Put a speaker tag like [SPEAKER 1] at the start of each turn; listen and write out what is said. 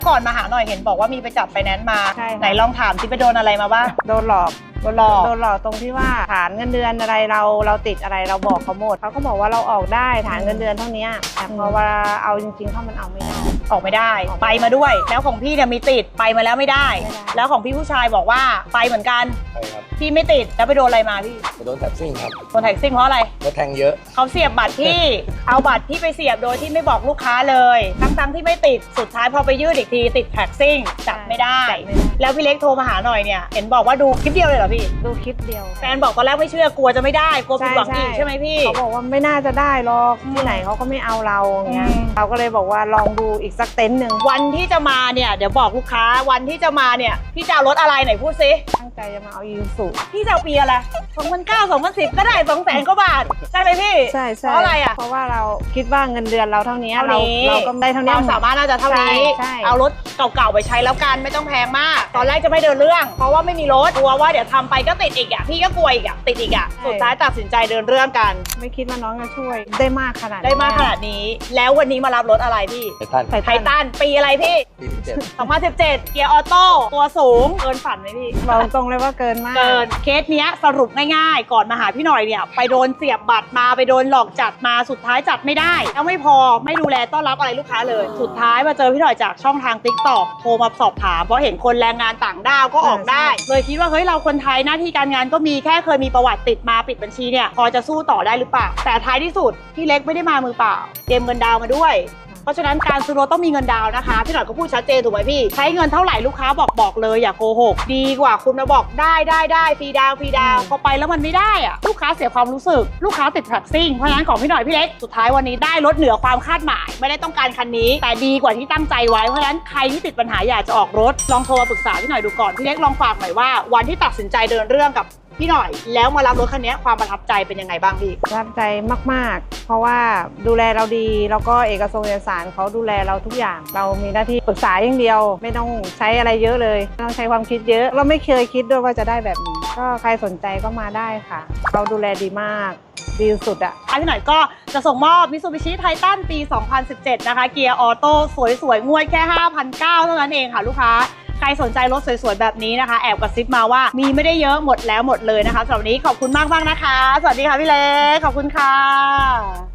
[SPEAKER 1] ก่อนมาหาหน่อยเห็นบอกว่ามีไปจับไฟแนนซ์มาไหนลองถามที่ไปโดนอะไรมาบ้าง
[SPEAKER 2] โดนหลอกตรงที่ว่าฐานเงินเดือนอะไรเราติดอะไรเราบอกเขาหมดเขาก็บอกว่าเราออกได้ฐานเงินเดือนเท่านี้แต่พอเวลาเอาจริงๆเขามันเอาไม่ได้
[SPEAKER 1] ออกไม่ได้ไปมาด้วยแล้วของพี่เนี่ยมีติดไปมาแล้วไม่ได้แล้วของพี่ผู้ชายบอกว่าไปเหมือนกัน
[SPEAKER 3] ใช่ครับ
[SPEAKER 1] พี่ไม่ติดแล้วไปโดนอะไรมาพี่
[SPEAKER 3] ไปโดนแท็กซิ่งครับ
[SPEAKER 1] โดนแท็กซิ่งเพราะอะไร
[SPEAKER 3] รถแทงเยอะ
[SPEAKER 1] เขาเสียบบัตรพี่ เอาบัตรพี่ไปเสียบโดยที่ไม่บอกลูกค้าเลยทั้งที่ไม่ติดสุดท้ายพอไปยืดอีกทีติดแท็กซิ่งจับไม่ได้แล้วพี่เล็กโทรมาหาหน่อยเนี่ยเห็นบอกว่าดูคลิปเดียวเลยเหรอพี่
[SPEAKER 2] ดูคลิปเดียว
[SPEAKER 1] แฟนบอกตอนแรกไม่เชื่อกลัวจะไม่ได้กลัวผิดหวังอีกใช่ไหมพี่
[SPEAKER 2] เขาบอกว่าไม่น่าจะได้หรอกที่ไหนเขาก็ไม่เอาเราอย่างเงี้ยเราก็เลยบอกว่าลองดูอีกสักเต็นท์หนึ่ง
[SPEAKER 1] วันที่จะมาเนี่ยเดี๋ยวบอกลูกค้าวันที่จะมาเนี่ยพี่จะเอารถอะไรไหนพูดซิ
[SPEAKER 2] ตั้งใจจะมาเอายูสุ
[SPEAKER 1] พี่จะเอาปีอะไร2009 2010ก็ได้200,000 กว่าบาทใช่ไหมพี่
[SPEAKER 2] ใช่
[SPEAKER 1] เพราะอะไรอ่ะ
[SPEAKER 2] เพราะว่าเราคิดว่าเงินเดือนเราเท่านี้เราก็ได้เท่านี้
[SPEAKER 1] เราสามารถน่าจะเท่านี้เอารถเก่าๆไปใช้แล้วกันไม่ต้องแพงมากตอนแรกจะไม่เดินเรื่องเพราะว่าไม่มีรถกลัวว่าเดี๋ยวทำไปก็ติดอีกอ่ะพี่ก็กลัวอีกอ่ะติดอีกอ่ะสุดท้ายตัดสินใจเดินเรื่องกัน
[SPEAKER 2] ไม่คิดว่าน้องจะช่วยได้มากขนาด
[SPEAKER 1] นี้แล้ววันนี้มารับรถอะไรพี่ไททันปีอะไรพี่2017เกียร์ออโต้ตัวสูงเกินฝันไหมพี่
[SPEAKER 2] บอกตรงเลยว่าเกินมาก
[SPEAKER 1] เกินเคสเนี้ยสรุปง่ายๆก่อนมาหาพี่หน่อยเนี่ยไปโดนเสียบบัตรมาไปโดนหลอกจัดมาสุดท้ายจัดไม่ได้แล้วไม่พอไม่ดูแลต้อนรับอะไรลูกค้าเลยสุดท้ายมาเจอพี่หน่อยจากช่องทาง TikTok โทรมาสอบถามเพราะเห็นคนแรงงานต่างด้าวก็ออกได้เลยคิดว่าเฮ้ยเราคนไทยหน้าที่การงานก็มีแค่เคยมีประวัติติดมาปิดบัญชีเนี่ยพอจะสู้ต่อได้หรือเปล่าแต่ท้ายที่สุดพี่เล็กไม่ได้มามือเปล่าเตรียมเงินดาวมาด้วยเพราะฉะนั้นการซื้อรถต้องมีเงินดาวนะคะพี่หน่อยก็พูดชัดเจนถูกไหมพี่ใช้เงินเท่าไหร่ลูกค้าบอกเลยอย่าโกหกดีกว่าคุณมาบอกได้ฟรีดาวพอไปแล้วมันไม่ได้อะลูกค้าเสียความรู้สึกลูกค้าติดแท็กซิ่งเพราะฉะนั้นของพี่หน่อยพี่เล็กสุดท้ายวันนี้ได้รถเหนือความคาดหมายไม่ได้ต้องการคันนี้แต่ดีกว่าที่ตั้งใจไว้เพราะฉะนั้นใครที่ติดปัญหาอยากจะออกรถลองโทรมาปรึกษาพี่หน่อยดูก่อนพี่เล็กลองฝากหน่อยว่าวันที่ตัดสินใจเดินเรื่องกับพี่หน่อยแล้วมารับรถคันนี้ความประทับใจเป็นยังไงบ้างพี่
[SPEAKER 2] ประทับใจมากๆเพราะว่าดูแลเราดีแล้วก็เอกสารเขาดูแลเราทุกอย่างเรามีหน้าที่ปรึกษาอย่างเดียวไม่ต้องใช้อะไรเยอะเลยไม่ต้องใช้ความคิดเยอะเราไม่เคยคิดด้วยว่าจะได้แบบนี้ก็ใครสนใจก็มาได้ค่ะเราดูแลดีมากดีสุดอ่ะ
[SPEAKER 1] พี่หน่อยก็จะส่งมอบ Mitsubishi Titan ปี 2017 นะคะเกียร์ออโต้สวยๆงวดแค่ 5,900 เท่านั้นเองค่ะลูกค้าใครสนใจรถสวยๆแบบนี้นะคะแอบกระซิบมาว่ามีไม่ได้เยอะหมดแล้วหมดเลยนะคะสำหรับวันนี้ขอบคุณมากๆนะคะสวัสดีค่ะพี่เล็กขอบคุณค่ะ